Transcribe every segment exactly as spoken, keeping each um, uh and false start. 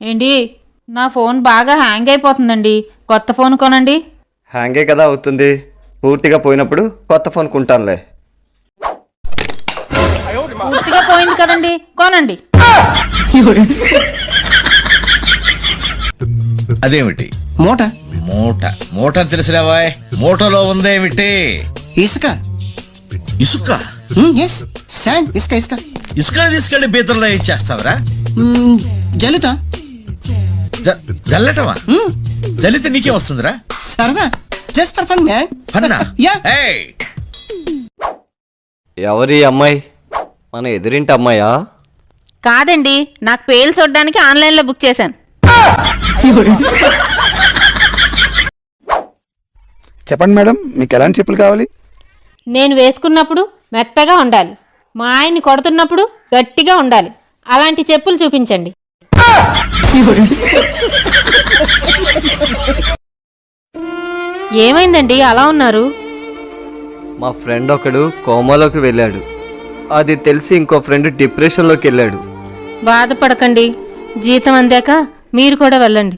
ఏంటి నా ఫోన్ బాగా హ్యాంగ్ అయిపోతుందండి, కొత్త ఫోన్ కొనండి. హ్యాంగే కదా అవుతుంది, పూర్తిగా పోయినప్పుడు కొత్త ఫోన్ కొంటానులే. పూర్తిగా పోయింది కదండి, కొనండి. అదేమిటి మూట మూట మూట తెలిసిరావా? మూటలో ఉందేమిటి? ఇసుక. ఇసుక? ఎస్ శాండ్, ఇసుక ఇసుక. ఇసుక తీసుకెళ్లి బీతల్లో ఏం చేస్తావరా? జల్లుతా. జల్లటమా? జల్లితే నీకే వస్తుందిరా? సరదా, జస్ట్ ఫర్ ఫన్ మ్యాన్. ఫన్నా? యా. ఎవరి అమ్మాయి? మన ఎదురింటి అమ్మాయా? కాదండి, నాకు పేలు చూడడానికి ఆన్లైన్ లో బుక్ చేశాను. చెప్పండి మేడం, మీకు ఎలాంటి చెప్పులు కావాలి? నేను వేసుకున్నప్పుడు మెత్తగా ఉండాలి, మా ఆయన్ని కొడుతున్నప్పుడు గట్టిగా ఉండాలి, అలాంటి చెప్పులు చూపించండి. ఏమైందండి అలా ఉన్నారు? మా ఫ్రెండ్ ఒకడు కోమాలోకి వెళ్ళాడు, అది తెలిసి ఇంకో ఫ్రెండ్ డిప్రెషన్లోకి వెళ్ళాడు. బాధపడకండి, జీతం అందాక మీరు కూడా వెళ్ళండి.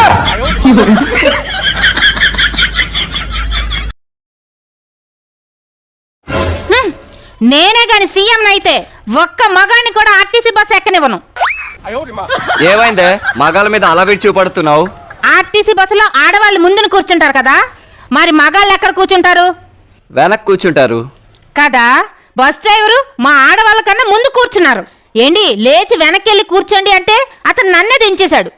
నేనే గాని సీఎం అయితే ఒక్క మగాన్ని కూడా ఆర్టీసీ బస్ ఎక్కనివ్వను. ఏమైందే మగాళ్ళ మీద అలా విడిచి చూపడుతున్నావు? ఆర్టీసీ బస్సులో ఆడవాళ్ళు ముందున కూర్చుంటారు కదా, మరి మగాళ్ళు ఎక్కడ కూర్చుంటారు? వెనక్కి కూర్చుంటారు కదా. బస్ డ్రైవరు మా ఆడవాళ్ళ కన్నా ముందు కూర్చున్నారు. ఏంటి లేచి వెనక్కి వెళ్ళి కూర్చోండి అంటే అతను నన్నే దించేశాడు.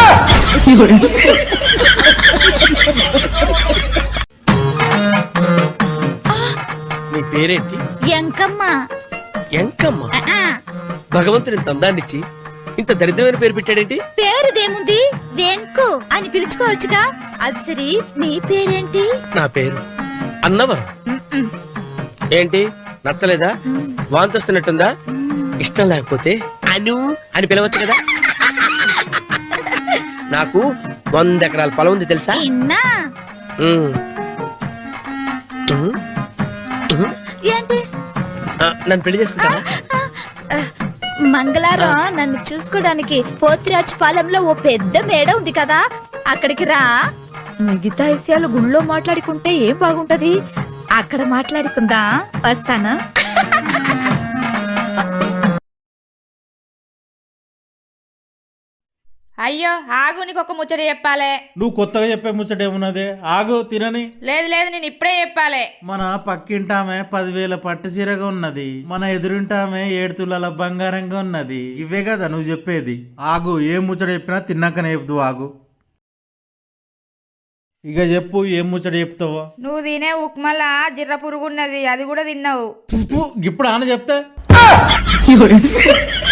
నీ పేరేంటి? ఎంకమ్మ. ఎంకమ్మ? భగవంతుని తందాన్నిచ్చి ఇంత దరిద్రమైన పేరు పెట్టాడేంటి? పేరుదేముంది, వెంకు అని పిలుచుకోవచ్చుగా. అది సరి, నీ పేరేంటి? నా పేరు అన్నవరం. ఏంటి నచ్చలేదా? వాంతి వస్తున్నట్టుందా? ఇష్టం లేకపోతే అను అని పిలవచ్చు కదా. నాకు వంద ఎకరాల పొలం ఉంది తెలుసా? ఇన్నా. ఉమ్. ఉమ్. ఉమ్. ఏంటి? ఆ, నన్ను పెళ్లి చేసుకుంటావా? మంగళారం నన్ను చూసుకోవడానికి పోతిరాజు పాలెంలో ఓ పెద్ద మేడ ఉంది కదా, అక్కడికి రా. మిగతా విషయాలు గుళ్ళో మాట్లాడుకుంటే ఏం బాగుంటది, అక్కడ మాట్లాడుకుందా. వస్తాను. అయ్యో ఆగు, నీకు ఒక ముచ్చట చెప్పాలే. నువ్వు కొత్తగా చెప్పే ముచ్చట ఏమున్నదే? ఆగు తినని. లేదు లేదు, నేను ఇప్పుడే చెప్పాలే. మన పక్కింటామె పదివేల పట్టు చీరగా ఉన్నది, మన ఎదురింటామె ఏడు తులాల బంగారంగా ఉన్నది. ఇవే కదా నువ్వు చెప్పేది? ఆగు, ఏం ముచ్చట చెప్పినా తిన్నాకనే చెప్తూ. ఆగు ఇక చెప్పు, ఏం ముచ్చట చెప్తావో? నువ్వు తినే ఉప్మాలా జిర్ర పురుగున్నది, అది కూడా తిన్నావు. ఇప్పుడు ఆన చెప్తే